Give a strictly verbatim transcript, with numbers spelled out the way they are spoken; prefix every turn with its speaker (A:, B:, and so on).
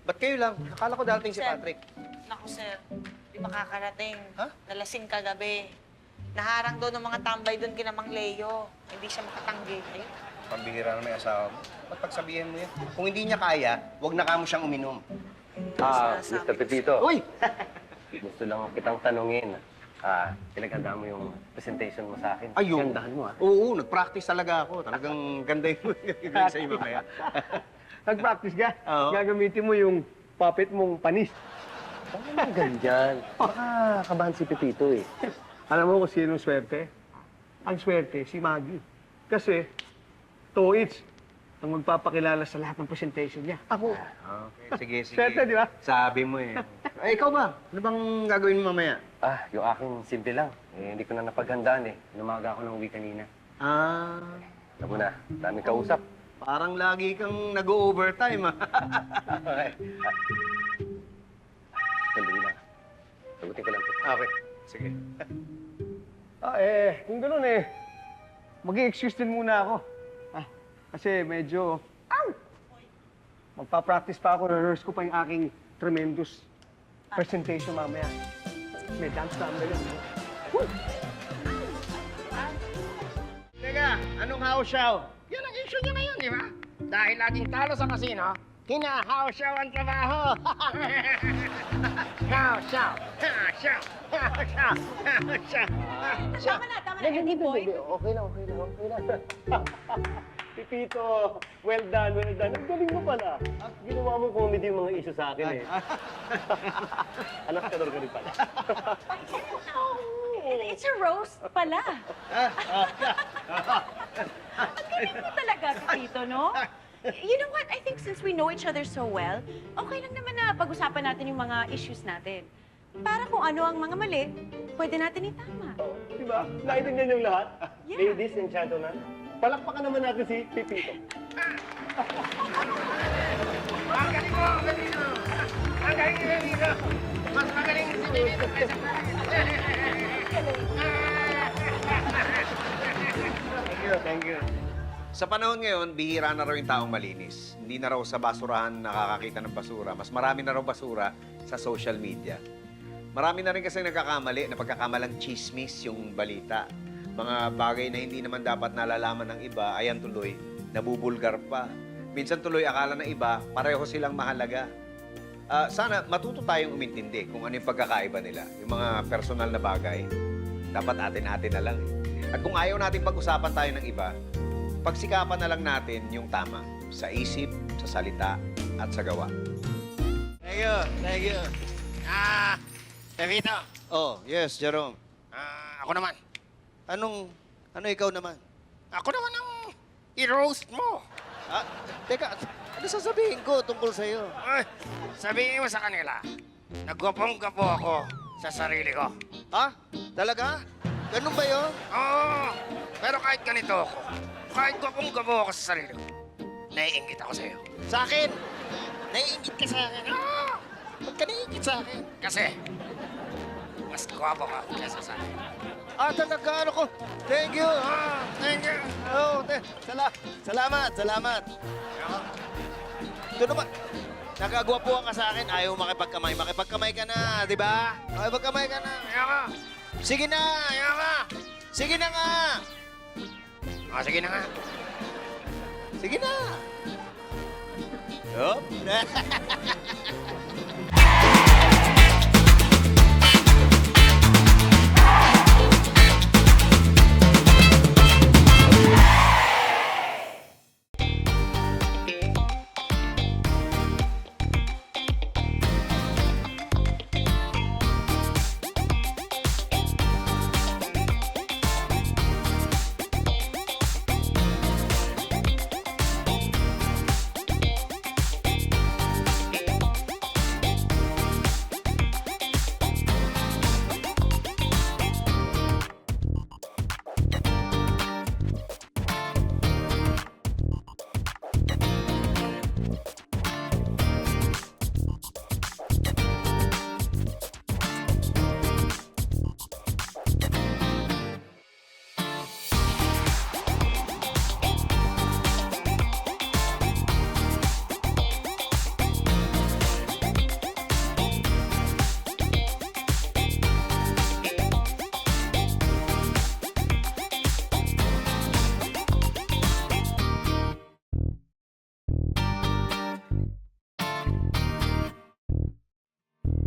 A: Ba't kayo lang? Akala ko darating si
B: Sir.
A: Patrick.
B: Naku, sir. Di ba kakarating?
A: Ha?
B: Nalasing kagabi. Naharang doon ng mga tambay doon kina Mang Leo. Hindi siya makatanggi. Ayun.
A: Pambihira na may asawa mo. Ba't pagsabihin mo yan? Kung hindi niya kaya, huwag na kamo siyang uminom.
C: Ah,
B: Sinasabi
C: mister
B: ko
C: Pepito.
A: Uy!
C: Gusto lang kitang tanungin. Ah, pinaghanda mo yung presentation mo sa akin.
A: Ayun.
C: Gandahan mo, ah.
A: Oo, nag-practice talaga ako. Talagang ganda yung gagawin sa'yo mamaya.
D: Nag-practice ka?
A: Oo.
D: Gagamitin mo yung puppet mong panis.
C: Ano naman ganyan? Baka kabahan si Pepito eh.
D: Alam mo kung sino swerte? Ang swerte, si Maggie. Kasi, Toits ang magpapakilala sa lahat ng presentation niya. Ako.
A: Okay, sige, sige.
D: Swerte, di ba?
A: Sabi mo eh. Ay, ikaw ba? Ano bang gagawin mo mamaya?
C: Ah, yung akin simple lang. Eh, hindi ko na napaghandaan eh. Lumaga ako ng uwi kanina.
A: Ah,
C: Alam mo na, daming kausap.
A: parang lagi kang nag-overtime ah.
C: Okay. Sandali lang. Sagutin ko lang to.
A: Okay, sige.
D: Ah, eh, kung gano'n eh, mag-i-excuse din muna ako. Ah, kasi medyo, ow! Magpa-practice pa ako, rehearse ko pa yung aking tremendous presentation mamaya. May dance number yun. Woo!
E: Teka, anong haw-shaw? Yan ang issue niya ngayon, di ba? Dahil laging talo sa kasino, hina-haw-shaw ang trabaho. Haw-shaw, haw-shaw, haw-shaw, haw-shaw, haw-shaw.
B: Tama na, tama na, Eddie Boy.
C: Okay lang, okay lang, okay lang.
D: Pipito, well done, well done. Ang galing mo pala.
C: Ginawa mo comedy yung mga issue sa akin eh. Anak ka ka rin pala.
F: It's a roast pala. Ang galing mo talaga, Pepito, no? You know what? I think since we know each other so well, okay lang naman na pag-usapan natin yung mga issues natin. Para kung ano ang mga mali, pwede natin itama.
D: Di ba? Naintindihan yung lahat?
F: Yeah.
D: Ladies and gentlemen, palakpakan naman natin si Pipito.
E: Ang galing mo, ang galing mo. Ang galing ni Benito. Mas magaling si Benito kaysa
A: Thank you, thank you. Sa panahon ngayon, bihira na raw yung taong malinis. Hindi na raw sa basurahan nakakakita ng basura. Mas marami na raw basura sa social media. Marami na rin kasi nagkakamali na pagkakamalang chismis yung balita. Mga bagay na hindi naman dapat nalalaman ng iba, ayan tuloy, nabubulgar pa. Minsan tuloy akala ng iba, pareho silang mahalaga. Ah, sana matuto tayong umintindi kung ano yung pagkakaiba nila. Yung mga personal na bagay, dapat atin-atin na lang. Eh. At kung ayaw natin pag-usapan tayo ng iba, pagsikapan na lang natin yung tama sa isip, sa salita, at sa gawa.
E: Thank you, thank you. Ah, Benito.
A: Oh, yes, Jerome.
E: Ah, ako naman.
A: Anong, ano ikaw naman?
E: Ako naman ang i-roast mo.
A: Ah, teka, ano sasabihin ko tungkol sa'yo?
E: Ay, sabihin mo sa kanila, nagwapong-gapo ako sa sarili ko.
A: Ha? Talaga? Ganun ba yun?
E: Oo, pero kahit ganito ako, kahit gwapong-gapo ako sa sarili ko, naiingit ako sa'yo.
A: Sa akin? Naiingit ka sa akin?
E: Oo,
A: Ba't ka naiingit sa akin?
E: kasi mas gwapo ka kesa sa akin.
A: Ah, talaga, ano ko? Thank you.
E: Ah, thank you.
A: Oh, te, sala salamat, salamat. Ito naman, nagagwapuhan ka sa akin, ayaw makipagkamay. Makipagkamay ka na, di ba? Makipagkamay ka na.
E: Ayaw ka.
A: Sige na!
E: Ayaw ka.
A: Sige na nga!
E: Ah, sige na nga.
A: Sige na! Yup.